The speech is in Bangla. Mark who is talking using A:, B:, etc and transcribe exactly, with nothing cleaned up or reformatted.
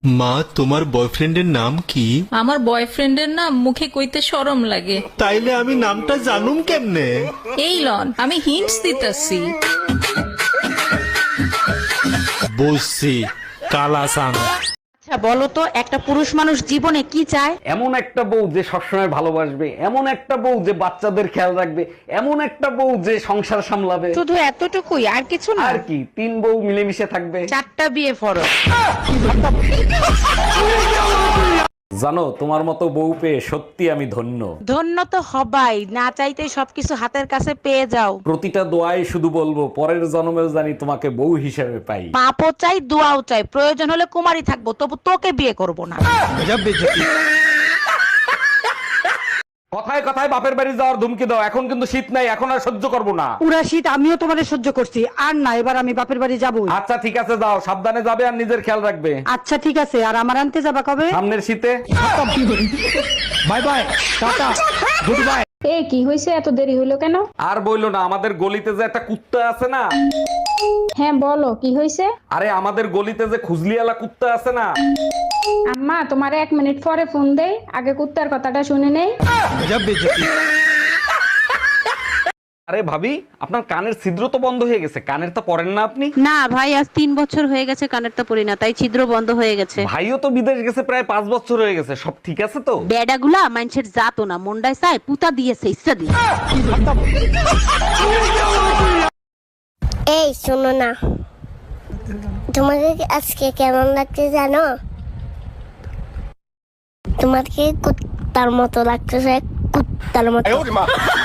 A: মা, তোমার বয়ফ্রেন্ডের নাম কি?
B: আমার বয়ফ্রেন্ডের নাম মুখে কইতে শরম লাগে।
A: তাইলে আমি নামটা জানুম কেমনে?
B: এই লন, আমি হিন্টস দিতেছি।
A: বুঝছি, কালাসান।
C: আচ্ছা বলো তো, একটা পুরুষ মানুষ জীবনে কি চায়?
D: এমন একটা বউ যে সবসময় ভালোবাসবে, এমন একটা বউ যে বাচ্চাদের খেয়াল রাখবে, এমন একটা বউ যে সংসার সামলাবে।
C: শুধু এতটুকুই, আর কিছু না?
D: আর কি, তিন বউ মিলেমিশে থাকবে।
C: চারটা বিয়ে ফরজ।
D: জানো, তোমার মতো বউ পেয়ে সত্যি আমি ধন্য।
C: ধন্য তো হবাই, না চাইতেই সবকিছু হাতের কাছে পেয়ে যাও।
D: প্রতিটা দোয়ায় শুধু বলবো, পরের জন্মেও জানি তোমাকে বউ হিসেবে পাই।
C: পাপও চাই, দোয়াও চাই, প্রয়োজন হলে কুমারী থাকবো, তবু তোকে বিয়ে করব না।
D: কথায় কথায় বাপের বাড়ি যাওয়ার ধুমকি দাও, এখন কিন্তু শীত নাই, এখন আর সহ্য করবো না।
E: পুরা শীত আমিও তোমারে সহ্য করছি, আর না, এবার আমি বাপের বাড়ি যাবো।
D: আচ্ছা ঠিক আছে, যাও, সাবধানে যাবে আর নিজের খেয়াল রাখবে।
E: আচ্ছা ঠিক আছে, আর আমার আনতে যাবা কবে?
D: সামনের শীতে।
A: Bye bye, tata, good bye.
F: এ কি হয়েছে, এত দেরি হইলো কেন?
D: আর বইলো না, আমাদের গলিতে যে একটা কুত্তা আছে না।
F: হ্যাঁ বলো, কি হয়েছে?
D: আরে আমাদের গলিতে যে খুজলিওয়ালা কুত্তা আছে না।
F: আম্মা, তোমার এক মিনিট পরে ফোন দেই, আগে কুত্তার কথাটা শুনে নেই।
D: আরে ভাবি, আপনার কানের ছিদ্র তো বন্ধ হয়ে গেছে, কানের তো পরেন না আপনি?
C: না ভাই, আজ তিন বছর হয়ে গেছে কানেরটা পরি না, তাই ছিদ্র বন্ধ হয়ে গেছে।
D: ভাইও তো বিদেশ গেছে প্রায় পাঁচ বছর হয়ে গেছে, সব ঠিক আছে তো?
C: বেডাগুলা মানুষের জাতো না, মুন্ডায় চায় পুতা দিয়েছে ইচ্ছা দিয়ে।
G: এই শোনো না, তোমাকে আজকে কেমন লাগছে জানো? তোমাকে কুত্তার মতো লাগতেছে, কুত্তার মতো।